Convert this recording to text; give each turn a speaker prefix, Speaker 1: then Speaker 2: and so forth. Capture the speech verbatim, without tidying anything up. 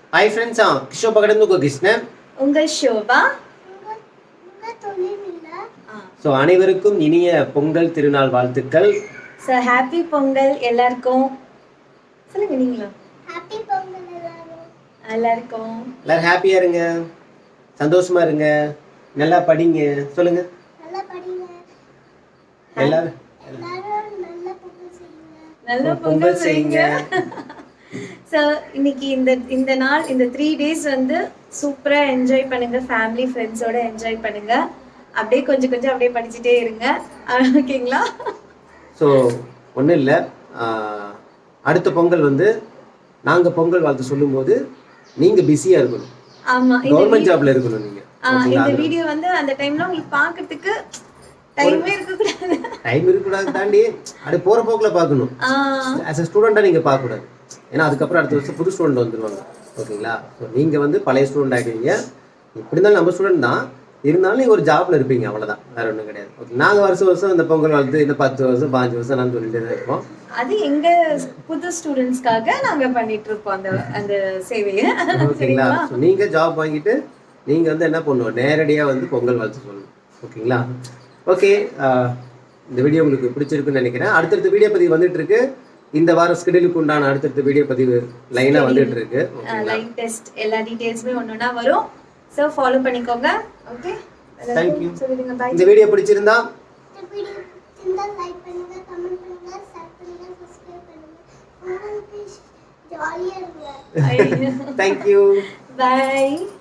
Speaker 1: Hi friends, ஆ கிஷோபா கடந்து உங்கள் கிருஷ்ணன்
Speaker 2: உங்கள் ஷோபா.
Speaker 1: ஸோ அனைவருக்கும் இனிய பொங்கல் திருநாள் வாழ்த்துக்கள்.
Speaker 2: ஸோ ஹாப்பி பொங்கல் எல்லாருக்கும். சொல்லுங்க நீங்களும்.
Speaker 3: ஹாப்பி பொங்கல் எல்லாரும்.
Speaker 2: எல்லாருக்கும்.
Speaker 1: எல்லாரும் ஹாப்பியா இருங்க, சந்தோஷமா இருங்க, நல்லா படிங்க. சொல்லுங்க.
Speaker 3: நல்லா படிங்க.
Speaker 1: எல்லாரும்
Speaker 3: எல்லாரும் நல்ல பொங்கல் செய்யுங்க.
Speaker 2: நல்ல பொங்கல் செய்யுங்க. ஸோ இன்னைக்கு இந்த இந்த நாள் இந்த த்ரீ டேஸ் வந்து சூப்பராக என்ஜாய் பண்ணுங்க, ஃபேமிலி ஃப்ரெண்ட்ஸோட என்ஜாய் பண்ணுங்க. அப்படியே கொஞ்சம் கொஞ்சம் அப்படியே படிச்சுட்டே இருங்க, ஓகேங்களா?
Speaker 1: ஸோ ஒன்றும் இல்லை, அடுத்த பொங்கல் வந்து நாங்கள் பொங்கல் வாழ்த்து சொல்லும்போது நீங்கள் பிஸியாக இருக்கணும்.
Speaker 2: ஆமாம்,
Speaker 1: கவர்மெண்ட் ஜாப்ல இருக்கணும் நீங்கள்.
Speaker 2: இந்த வீடியோ வந்து அந்த டைம்ல உங்களுக்கு பார்க்கறதுக்கு டைமே இருக்கக்கூடாது.
Speaker 1: டைம் இருக்கக்கூடாது தாண்டி அப்படியே போகிற போக்கில் பார்க்கணும். ஆஸ் அ ஸ்டூடெண்ட்டாக நீங்கள் பார்க்கக்கூடாது, ஏன்னா அதுக்கப்புறம் அடுத்த வருஷம் புது ஸ்டூடெண்ட் வந்துடுவாங்க, ஓகேங்களா? ஸோ நீங்கள் வந்து பழைய ஸ்டூடெண்ட் ஆகிடுவீங்க. இப்படி இருந்தாலும் நம்ம ஸ்டூடெண்ட் தான், இருந்தாலும் நீங்கள் ஒரு ஜாப்ல இருப்பீங்க, அவ்வளோதான், வேற ஒன்றும் கிடையாது. ஓகே, நாங்கள் வருஷம் வருஷம் இந்த பொங்கல் வாழ்த்து இந்த பத்து வருஷம் பாஞ்சு வருஷம் நான் சொல்லிட்டு தான் இருப்போம்.
Speaker 2: அது எங்க புது ஸ்டூடெண்ட்ஸ்க்காக நாங்க பண்ணிட்டு இருப்போம் அந்த அந்த சேவையை,
Speaker 1: ஓகேங்களா? ஸோ நீங்கள் ஜாப் வாங்கிட்டு நீங்கள் வந்து என்ன பண்ணுவோம், நேரடியாக வந்து பொங்கல் வாழ்த்து சொல்லணும், ஓகேங்களா? ஓகே, இந்த வீடியோ உங்களுக்கு பிடிச்சிருக்குன்னு நினைக்கிறேன். அடுத்தடுத்த வீடியோ பதிவு வந்துட்டு இருக்கு. இந்த வாரம் ஸ்கெடியூலுக்கு உண்டான அடுத்தடுத்த வீடியோ பதிவு லைனாக வந்துட்டு இருக்கு.
Speaker 2: லைன் டெஸ்ட் எல்லா டீடைல்ஸுமே ஒன்னொன்னா வரும். ஸோ ஃபாலோ பண்ணிக்கோங்க. Okay,
Speaker 1: thank you.
Speaker 2: சொல்லிடுங்க பாய்.
Speaker 1: இந்த வீடியோ பிடிச்சிருந்தா
Speaker 3: இந்த வீடியோ பிடிச்சிருந்தா லைக் பண்ணுங்க, கமெண்ட் பண்ணுங்க, ஷேர் பண்ணுங்க, சப்ஸ்கிரைப் பண்ணுங்க. உங்களுக்கு ஜாலியா இருங்க.
Speaker 1: Thank you.
Speaker 2: பாய்.